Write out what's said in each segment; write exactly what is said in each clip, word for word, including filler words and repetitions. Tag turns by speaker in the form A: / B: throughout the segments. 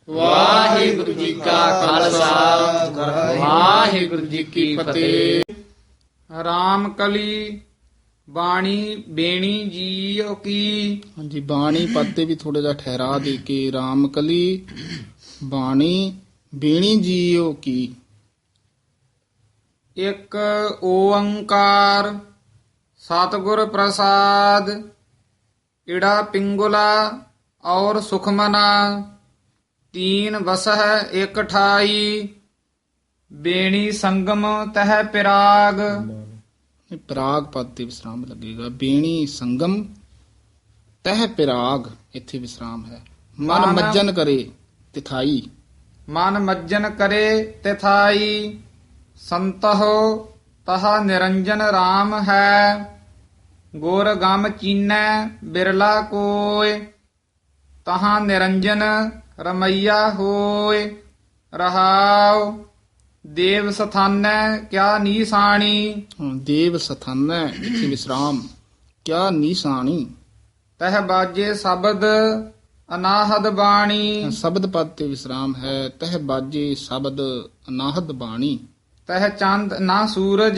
A: ਵਾਹਿਗੁਰੂ ਜੀ ਕਾ ਖਾਲਸਾ ਵਾਹਿਗੁਰੂ ਜੀ ਕੀ ਫਤਿਹ। ਰਾਮ ਕਲੀ ਬਾਣੀ ਬੇਣੀ ਜੀਓ ਕੀ।
B: ਹਾਂਜੀ, ਬਾਣੀ ਪਦ ਤੇ ਵੀ ਥੋੜਾ ਜਿਹਾ ਠਹਿਰਾ ਦੇ ਕੇ ਰਾਮ ਕਲੀ ਬਾਣੀ ਬੇਣੀ ਜੀਓ ਕੀ।
A: ਇੱਕ ਓੰਕਾਰ ਸਤਿਗੁਰ ਪ੍ਰਸਾਦ। ਇੜਾ ਪਿੰਗੁਲਾ ਔਰ ਸੁਖਮਨਾ ਤੀਨ ਵਸਹਿ ਇਕ ਠਾਈ। ਬੇਣੀ ਸੰਗਮ ਤਹਿ ਪਿਰਾਗ।
B: ਇਹ ਪਿਰਾਗ ਪਦ ਤੇ ਵਿਸਰਾਮ ਲੱਗੇਗਾ। ਬੇਣੀ ਸੰਗਮ ਤਹਿ ਪਿਰਾਗ, ਇੱਥੇ ਵਿਸਰਾਮ ਹੈ। ਮਨ
A: ਮਨ-
B: ਮੱਜਨ ਕਰੇ ਤਿਥਾਈ।
A: ਮਨ ਮੱਜਨ ਕਰੇ ਤਿਥਾਈ। ਸੰਤਹੁ ਤਹਾ ਨਿਰੰਜਨ RAM ਹੈ। ਗੁਰ ਗਮ ਚੀਨੈ ਬਿਰਲਾ ਕੋਇ। ਤਹਾਂ ਨਿਰੰਜਨ ਰਮਈਆ ਹੋਇ। ਰਹਾਉ ਦੇਵ ਸਥਾਨੈ ਕਿਆ ਨੀਸਾਣੀ।
B: ਹਾਂ, ਦੇਵ ਸਥਾਨੈ, ਇੱਥੇ ਵਿਸਰਾਮ। ਕਿਆ ਨੀਸਾਣੀ।
A: ਤਹ ਬਾਜੇ ਸ਼ਬਦ ਅਨਾਹਦ ਬਾਣੀ।
B: ਸ਼ਬਦ ਪਦ ਤੇ ਵਿਸਰਾਮ ਹੈ। ਤਹਿ ਬਾਜੇ ਸ਼ਬਦ ਅਨਾਹਦ ਬਾਣੀ।
A: ਤਹ ਚੰਦ ਨਾ ਸੂਰਜ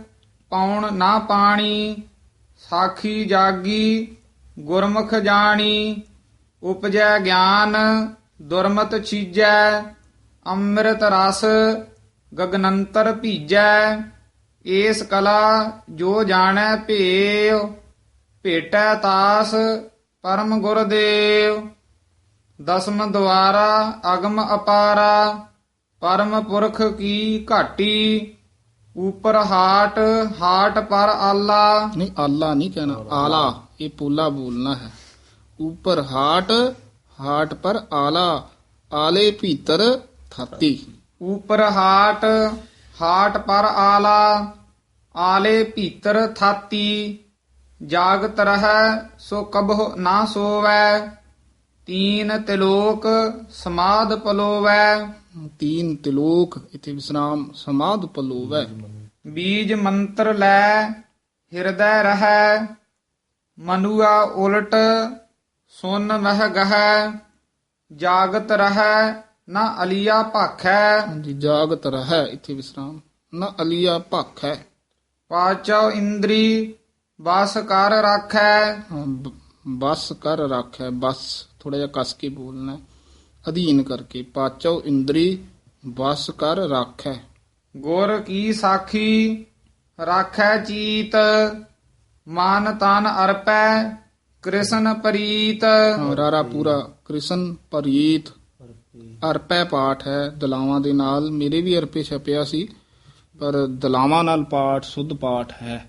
A: ਪੌਣ ਨਾ ਪਾਣੀ। ਸਾਖੀ ਜਾਗੀ ਗੁਰਮੁਖ ਜਾਣੀ। ਉਪਜੈ ਗਿਆਨ ਦੁਰਮਤ ਛੀਜੈ। ਅੰਮ੍ਰਿਤ ਰਸ ਗਗਨੰਤਰ ਭੀਜੈ। ਏਸ ਕਲਾ ਜੋ ਜਾਣੈ ਭੇਉ। ਭੇਟੈ ਤਾਸ ਪਰਮ ਗੁਰਦੇਵ। ਦਸਮ ਦੁਆਰਾ ਅਗਮ ਅਪਾਰਾ। ਪਰਮ ਪੁਰਖ ਕੀ ਘਾਟੀ। ਉਪਰ ਹਾਟ ਹਾਟ ਪਰ ਆਲਾ।
B: ਨਹੀਂ, ਆਲਾ ਨਹੀਂ ਕਹਿਣਾ, ਆਲਾ। ਇਹ ਪੋਲਾ ਬੋਲਣਾ ਹੈ। ਉਪਰ ਹਾਟ ਹਾਟ ਪਰ ਆਲਾ। ਆਲੇ ਭੀਤਰ ਥਾਤੀ।
A: ਉਪਰ ਹਾਟ ਹਾਟ ਪਰ ਆਲਾ। ਆਲੇ ਭੀਤਰ ਥਾਤੀ। ਜਾਗਤ ਰਹੈ ਸੋ ਕਬਹੁ ਨਾ ਸੋਵੈ। ਤੀਨ ਤਿਲੋਕ ਸਮਾਧ ਪਲੋਵੈ।
B: ਤੀਨ ਤਿਲੋਕ, ਇੱਥੇ ਵਿਸਰਾਮ। ਸਮਾਧ ਪਲੋਵੈ।
A: ਬੀਜ ਮੰਤਰ ਲੈ ਹਿਰਦੈ ਰਹੈ। ਮਨੁਆ ਉਲਟ ਸੁਨ ਮਹਿ ਗਹੈ। ਜਾਗਤ ਰਹੈ ਨਾ ਅਲੀਆ ਭਾਖੈ।
B: ਹਾਂਜੀ, ਜਾਗਤ ਰਹੈ, ਇੱਥੇ ਵਿਸਰਾਮ। ਨਾ ਅਲੀਆ ਭਾਖੈ।
A: ਪਾਚਉ ਇੰਦਰੀ ਬਸ ਕਰ ਰਾਖੈ।
B: ਹਾਂ, ਬ- ਬਸ ਕਰ ਰੱਖੈ। ਬਸ ਥੋੜਾ ਜਿਹਾ ਕਸ ਕੇ ਬੋਲਣਾ, ਅਧੀਨ ਕਰਕੇ। ਪਾਚਉ ਇੰਦਰੀ ਬਸ ਕਰ ਰੱਖੈ।
A: ਗੁਰ ਕੀ ਸਾਖੀ ਰਾਖੈ ਚੀਤ। ਮਨ ਤਨ ਅਰਪੈ ਕ੍ਰਿਸ਼ਨ ਪ੍ਰੀਤ।
B: ਹਾਂ, ਰਾਰਾ ਪੂਰਾ। ਕ੍ਰਿਸ਼ਨ ਪ੍ਰੀਤ। ਅਰਪੈ ਪਾਠ ਹੈ ਦਲਾਵਾਂ ਦੇ ਨਾਲ। ਮੇਰੇ ਵੀ ਅਰਪੇ ਛਪਿਆ ਸੀ, ਪਰ ਦਲਾਵਾਂ ਨਾਲ ਪਾਠ ਸੁੱਧ ਪਾਠ ਹੈ।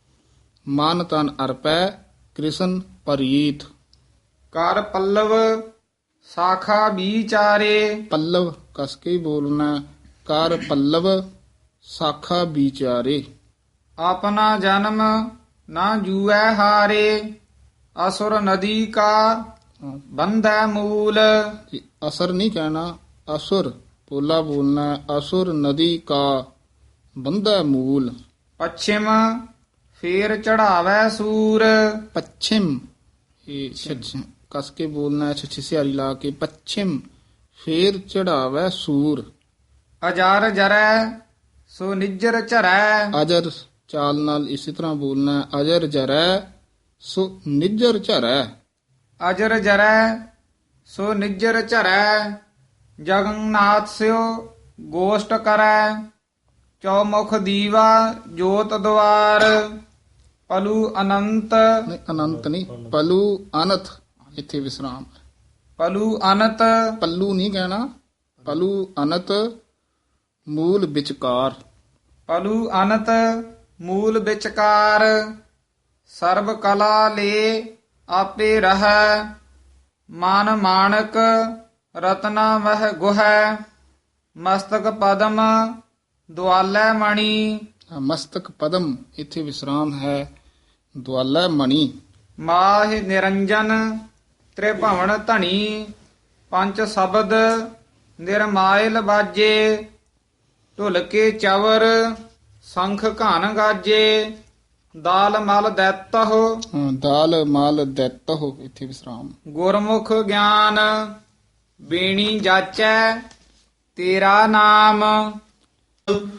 B: ਮਨ ਤਨ ਅਰਪੈ ਕ੍ਰਿਸ਼ਨ ਪ੍ਰੀਤ।
A: ਕਰ ਪੱਲਵ ਸਾਖਾ ਵਿਚਾਰੇ।
B: ਪੱਲਵ ਕਸ ਕੇ ਹੀ ਬੋਲਣਾ। ਕਰ ਪੱਲਵ ਸਾਖਾ ਵਿਚਾਰੇ।
A: ਆਪਣਾ ਜਨਮ ਨਾ ਜੂਐ ਹਾਰੇ। ਅਸੁਰ ਨਦੀ ਕਾ
B: ਹਾਂ,
A: ਬੰਧੈ ਮੂਲ।
B: ਇਹ ਅਸਰ ਨਹੀਂ ਕਹਿਣਾ, ਅਸੁਰ ਪੋਲਾ ਬੋਲਣਾ ਹੈ। ਅਸੁਰ ਨਦੀ ਕਾ ਬੰਧੈ ਮੂਲ।
A: ਪੱਛਿਮ ਫੇਰ ਚੜਾਵੈ ਸੂਰ।
B: ਪੱਛਿਮ, ਇਹ ਛਛ ਕਸ ਕੇ ਬੋਲਣਾ ਹੈ। ਛਛੀ ਸਿਆਰੀ ਲਾ ਕੇ। ਪੱਛਿਮ ਫੇਰ ਚੜਾਵੈ ਸੂਰ।
A: ਅਜਰ ਜਰੈ ਸੋ ਨਿਜਰ ਝਰੈ।
B: ਅਜਰ ਚਾਲ ਨਾਲ ਇਸੇ ਤਰ੍ਹਾਂ ਬੋਲਣਾ ਹੈ। ਅਜਰ ਜਰੈ ਸੋ ਨਿਜਰ ਝਰੈ।
A: ਅਜਰ ਜਰੈ ਸੋ ਨਿਜਰ ਝਰੈ। ਜਗਨਨਾਥ ਸਿਓ ਗੋਸ਼ਟ ਕਰੈ। ਚੌਮੁਖ ਦੀਵਾ ਜੋਤ ਦੁਆਰ। ਪਲੂ ਅਨੰਤ
B: ਨਹੀਂ, ਅਨੰਤ ਨਹੀਂ, ਪਲੂ ਅਨਥ, ਇੱਥੇ ਵਿਸਰਾਮ।
A: ਪਲੂ ਅਨੰਤ
B: ਪੱਲੂ ਨਹੀਂ ਕਹਿਣਾ, ਪਲੂ ਅਨਤ ਮੂਲ ਵਿਚਕਾਰ।
A: ਪਲੂ ਅਨੰਤ ਮੂਲ ਵਿਚਕਾਰ। ਸਰਬ ਕਲਾ ਲੇ ਆਪੇ ਰਹੈ। ਮਨ ਮਾਣਕ ਰਤਨਾ ਮਹਿ ਗੁਹੈ। ਮਸਤਕ ਪਦਮ ਦੁਆਲੈ ਮਣੀ।
B: ਮਸਤਕ ਪਦਮ, ਇੱਥੇ ਵਿਸਰਾਮ ਹੈ। ਦੁਆਲਾ ਮਣੀ।
A: ਮਾਹਿ ਨਿਰੰਜਨ ਤ੍ਰਿਭਵਨ ਧਣੀ। ਪੰਜ ਸ਼ਬਦ ਨਿਰਮਾਇਲ ਬਾਜੇ। ਢੁਲਕੇ ਚਵਰ ਸੰਖ ਘਨ ਗਾਜੇ। ਦਾਲ ਮਲ ਦੈਤਹੁ
B: ਹਾਂ, ਦਾਲ ਮਾਲ ਦੈਤਹੁ, ਇੱਥੇ ਵਿਸਰਾਮ।
A: ਗੁਰਮੁਖ ਗਿਆਨ ਬੇਣੀ ਜਾਚੈ ਤੇਰਾ ਨਾਮ।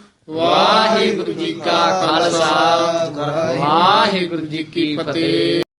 B: ਵਾਹਿਗੁਰੂ ਜੀ ਕਾ ਖਾਲਸਾ ਵਾਹਿਗੁਰੂ ਜੀ ਕੀ ਫਤਿਹ।